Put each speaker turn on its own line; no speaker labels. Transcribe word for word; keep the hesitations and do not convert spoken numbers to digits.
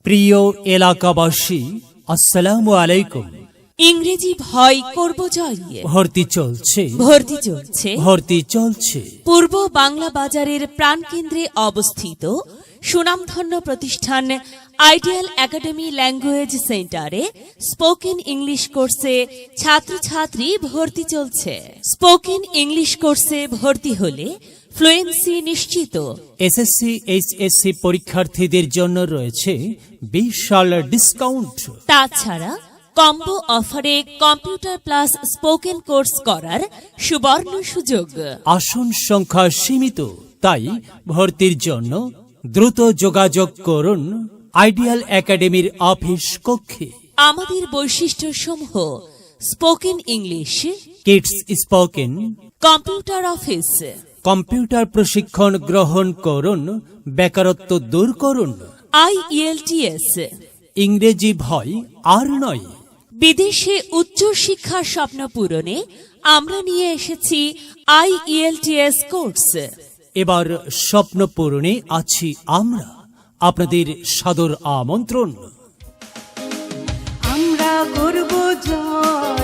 প্রিয় এলাকাবাসী, আসসালামু আলাইকুম।
ইংরেজি ভয় করব জয়।
ভর্তি চলছে
ভর্তি চলছে
ভর্তি চলছে
পূর্ব বাংলা বাজারের প্রাণকেন্দ্রে অবস্থিত সুনামধন্য প্রতিষ্ঠান আইডিয়াল একাডেমি ল্যাঙ্গুয়েজ সেন্টারে স্পোকেন ইংলিশ কোর্সে ছাত্রছাত্রী ভর্তি চলছে। স্পোকেন ইংলিশ কোর্সে ভর্তি হলে ফ্লুয়েন্সি নিশ্চিত।
এসএসসি এইচএসসি পরীক্ষার্থীদের জন্য রয়েছে বিশাল ডিসকাউন্ট।
তাছাড়া কম্বো অফারে কম্পিউটার প্লাস স্পোকেন কোর্স করার সুবর্ণ সুযোগ।
আসন সংখ্যা সীমিত, তাই ভর্তির জন্য দ্রুত যোগাযোগ করুন আইডিয়াল একাডেমির অফিস কক্ষে।
আমাদের বৈশিষ্ট্য সমূহ: spoken English,
kids spoken,
computer office,
computer প্রশিক্ষণ গ্রহণ করুন, বেকারত্ব দূর করুন।
আইইএলটিএস,
ইংরেজি ভয় আর নয়।
বিদেশে উচ্চ শিক্ষার স্বপ্ন পূরণে আমরা নিয়ে এসেছি আইইএলটিএস কোর্স।
এবার স্বপ্ন পূরণে আছি আমরা, আপনাদের সাদর আমন্ত্রণ।
আমরা করব জয়।